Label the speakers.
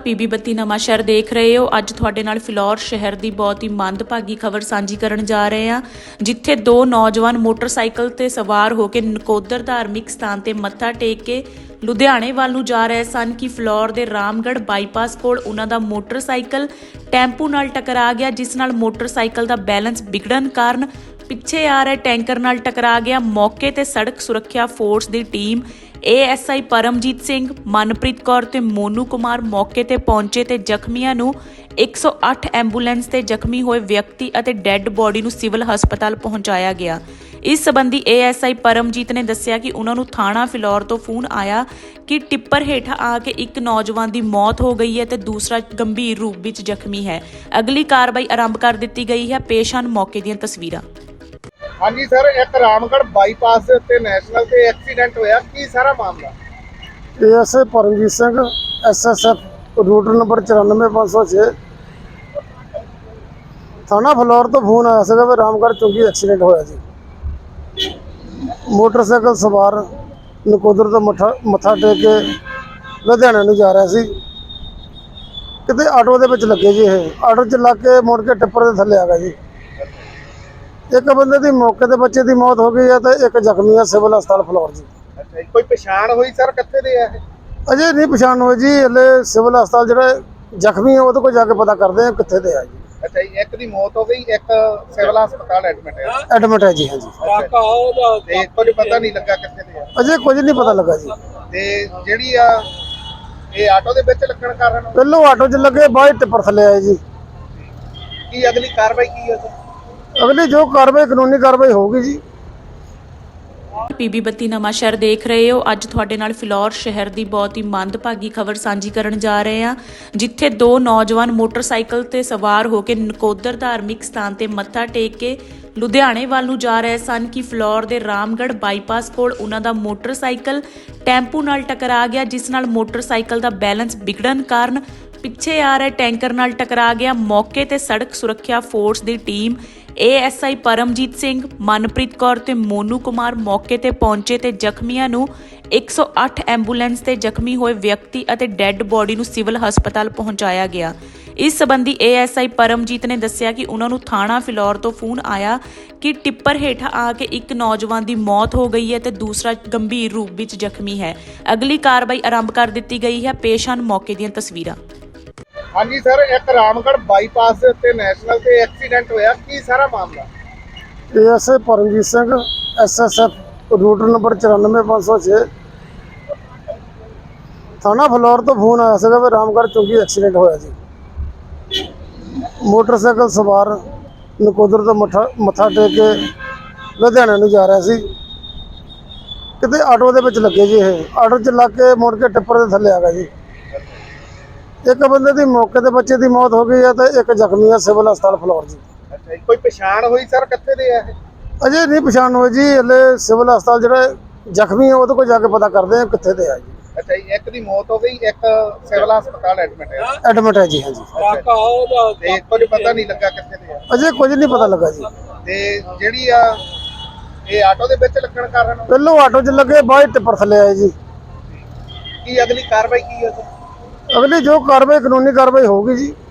Speaker 1: PB 32 ਨਵਾਂ ਸ਼ਹਿਰ ਦੇਖ ਰਹੇ ਹੋ। ਅੱਜ ਤੁਹਾਡੇ ਨਾਲ ਫਿਲੌਰ ਸ਼ਹਿਰ ਦੀ ਬਹੁਤ ਹੀ ਮੰਦਭਾਗੀ ਖਬਰ ਸਾਂਝੀ ਕਰਨ ਜਾ ਰਹੇ ਹਾਂ, ਜਿੱਥੇ ਦੋ ਨੌਜਵਾਨ ਮੋਟਰਸਾਈਕਲ ਤੇ ਸਵਾਰ ਹੋ ਕੇ ਨਕੋਦਰ ਧਾਰਮਿਕ ਸਥਾਨ ਤੇ ਮੱਥਾ ਟੇਕ ਕੇ ਲੁਧਿਆਣੇ ਵੱਲ ਨੂੰ ਜਾ ਰਹੇ ਸਨ ਕਿ ਫਿਲੌਰ ਦੇ ਰਾਮਗੜ੍ਹ ਬਾਈਪਾਸ ਕੋਲ ਉਹਨਾਂ ਦਾ ਮੋਟਰਸਾਈਕਲ ਟੈਂਪੂ ਨਾਲ ਟਕਰਾ ਗਿਆ, ਜਿਸ ਨਾਲ ਮੋਟਰਸਾਈਕਲ ਦਾ ਬੈਲੈਂਸ ਵਿਗੜਨ ਕਾਰਨ ਪਿੱਛੇ ਆ ਰਹੇ ਟੈਂਕਰ ਨਾਲ ਟਕਰਾ ਗਿਆ। ਮੌਕੇ ਤੇ ਸੜਕ ਸੁਰੱਖਿਆ ਫੋਰਸ ਦੀ ਟੀਮ ASI ਪਰਮਜੀਤ ਸਿੰਘ, ਮਨਪ੍ਰੀਤ ਕੌਰ ਤੇ ਮੋਨੂ ਕੁਮਾਰ ਮੌਕੇ ਤੇ ਪਹੁੰਚੇ ਤੇ ਜ਼ਖਮੀਆਂ ਨੂੰ 108 ਐਂਬੂਲੈਂਸ ਤੇ ਜ਼ਖਮੀ ਹੋਏ ਵਿਅਕਤੀ ਅਤੇ ਡੈੱਡ ਬੋਡੀ ਨੂੰ ਸਿਵਲ ਹਸਪਤਾਲ ਪਹੁੰਚਾਇਆ ਗਿਆ। ਇਸ ਸੰਬੰਧੀ ASI ਪਰਮਜੀਤ ਨੇ ਦੱਸਿਆ ਕਿ ਉਹਨਾਂ ਨੂੰ ਥਾਣਾ ਫਿਲੌਰ ਤੋਂ ਫੋਨ ਆਇਆ ਕਿ ਟਿੱਪਰ ਹੇਠਾਂ ਆ ਕੇ ਇੱਕ ਨੌਜਵਾਨ ਦੀ ਮੌਤ ਹੋ ਗਈ ਹੈ ਤੇ ਦੂਸਰਾ ਗੰਭੀਰ ਰੂਪ ਵਿੱਚ ਜ਼ਖਮੀ ਹੈ। ਅਗਲੀ ਕਾਰਵਾਈ ਆਰੰਭ ਕਰ ਦਿੱਤੀ ਗਈ ਹੈ। ਪੇਸ਼ ਹਨ ਮੌਕੇ ਦੀਆਂ ਤਸਵੀਰਾਂ।
Speaker 2: हाँ जी सर, एक रामगढ़ बाईपास ते नैशनल ते एक्सीडेंट होया की सारा मामला?
Speaker 3: ASI Paramjit Singh SSF route number 94506 थाना फलौर तो फोन आया सीगा भी रामगढ़ चौकी एक्सीडेंट होया जी। मोटरसाइकिल सवार नकोदर तो मत्था टेक के लुधियाने नूं जा रहा सी, किते आटो दे विच लगे जी। ये आटो च लग के मुड़ के टिप्पर दे थल्ले आ गया जी। एक बंदे की मौके ते बच्चे की मौत हो गई है तो एक जख्मी है सिविल हस्पताल फलौर जी।
Speaker 2: अच्छा, कोई पछाण हुई सर कित्थे दे है?
Speaker 3: अजे नहीं पछाण हुई जी, हले सिविल हस्पताल जो जख्मी है वो कोई जाके पता करते हैं कित्थे दे है जी।
Speaker 2: अच्छा, एक दी मौत हो गई, एक सिविल हस्पताल एडमिट है।
Speaker 3: एडमिट है जी। हाँ जी,
Speaker 2: ते कुछ पता नहीं लगा कित्थे दे है।
Speaker 3: अजे कुछ नहीं पता लगा जी।
Speaker 2: ते जेहड़ी आ ये आटो दे विच लगण कारण
Speaker 3: पहलों आटो च लगे, बाद टिप्पर थल्ले आए जी।
Speaker 2: की अगली कार्रवाई की है सर?
Speaker 3: अगली जो कार्रवाई कानूनी कार्रवाई होगी जी।
Speaker 1: ਪੀਬੀ 32 ਨਵਾਂ ਸ਼ਹਿਰ ਦੇਖ ਰਹੇ ਹੋ। ਅੱਜ ਤੁਹਾਡੇ ਨਾਲ ਫਿਲੌਰ ਸ਼ਹਿਰ ਦੀ ਬਹੁਤ ਹੀ ਮੰਦਭਾਗੀ ਖਬਰ ਸਾਂਝੀ ਕਰਨ ਜਾ ਰਹੇ ਹਾਂ, ਜਿੱਥੇ ਦੋ ਨੌਜਵਾਨ ਮੋਟਰਸਾਈਕਲ ਤੇ ਸਵਾਰ ਹੋ ਕੇ ਨਕੋਦਰ ਧਾਰਮਿਕ ਸਥਾਨ ਤੇ ਮੱਥਾ ਟੇਕ ਕੇ ਲੁਧਿਆਣੇ ਵੱਲ ਨੂੰ ਜਾ ਰਹੇ ਸਨ ਕਿ ਫਿਲੌਰ ਦੇ ਰਾਮਗੜ੍ਹ ਬਾਈਪਾਸ ਕੋਲ ਉਹਨਾਂ ਦਾ ਮੋਟਰਸਾਈਕਲ ਟੈਂਪੂ ਨਾਲ ਟਕਰਾ ਗਿਆ, ਜਿਸ ਨਾਲ ਮੋਟਰਸਾਈਕਲ ਦਾ ਬੈਲੈਂਸ ਵਿਗੜਨ ਕਾਰਨ ਪਿੱਛੇ ਆ ਰਹੇ ਟੈਂਕਰ ਨਾਲ ਟਕਰਾ ਗਿਆ। ਮੌਕੇ ਤੇ ਸੜਕ ਸੁਰੱਖਿਆ ਫੋਰਸ ਦੀ ਟੀਮ ASI ਪਰਮਜੀਤ ਸਿੰਘ, ਮਨਪ੍ਰੀਤ ਕੌਰ ਤੇ ਮੋਨੂ ਕੁਮਾਰ ਮੌਕੇ ਤੇ ਪਹੁੰਚੇ ਤੇ ਜ਼ਖਮੀਆਂ ਨੂੰ 108 ਐਂਬੂਲੈਂਸ ਤੇ ਜ਼ਖਮੀ ਹੋਏ ਵਿਅਕਤੀ ਅਤੇ ਡੈੱਡ ਬੋਡੀ ਨੂੰ ਸਿਵਲ ਹਸਪਤਾਲ ਪਹੁੰਚਾਇਆ ਗਿਆ। ਇਸ ਸੰਬੰਧੀ ASI ਪਰਮਜੀਤ ਨੇ ਦੱਸਿਆ ਕਿ ਉਹਨਾਂ ਨੂੰ ਥਾਣਾ ਫਿਲੌਰ ਤੋਂ ਫੋਨ ਆਇਆ ਕਿ ਟਿੱਪਰ ਹੇਠਾਂ ਆ ਕੇ ਇੱਕ ਨੌਜਵਾਨ ਦੀ ਮੌਤ ਹੋ ਗਈ ਹੈ ਤੇ ਦੂਸਰਾ ਗੰਭੀਰ ਰੂਪ ਵਿੱਚ ਜ਼ਖਮੀ ਹੈ। ਅਗਲੀ ਕਾਰਵਾਈ ਆਰੰਭ ਕਰ ਦਿੱਤੀ ਗਈ ਹੈ। ਪੇਸ਼ ਹਨ ਮੌਕੇ ਦੀਆਂ ਤਸਵੀਰਾਂ।
Speaker 2: हाँ जी सर, एक रामगढ़ बाईपास ते नैशनल ते एक्सीडेंट होया की सारा मामला?
Speaker 3: ASI Paramjit Singh SSF route number 94506 थाना फलौर तो फोन आया सीगा भी रामगढ़ चौकी एक्सीडेंट होया जी। मोटरसाइकिल सवार नकोदर तो मत्था टेक के लुधियाने नूं जा रहा सी, किते आटो दे विच लगे जी। ये आटो च लग के मुड़ के टिप्पर दे थल्ले आ गया जी। एक बंदे की मौके ते बच्चे की मौत हो गई है तो एक जख्मी है सिविल हस्पताल फलौर जी।
Speaker 2: अच्छा, कोई पछाण हुई सर कित्थे दे है?
Speaker 3: अजे नहीं पछाण हुई जी, हले सिविल हस्पताल जो जख्मी है वो कोई जाके पता करते हैं कित्थे दे है जी।
Speaker 2: अच्छा, एक दी मौत हो गई, एक सिविल हस्पताल एडमिट है।
Speaker 3: एडमिट है जी। हाँ जी,
Speaker 2: ते कुछ पता नहीं लगा कित्थे दे है।
Speaker 3: अजे कुछ नहीं पता लगा जी।
Speaker 2: ते जेहड़ी आ ये आटो दे विच लगण कारण
Speaker 3: पहलों आटो च लगे, बाद टिप्पर थल्ले आए जी।
Speaker 2: की अगली कार्रवाई की है सर?
Speaker 3: अगली जो कार्रवाई कानूनी कार्रवाई होगी जी।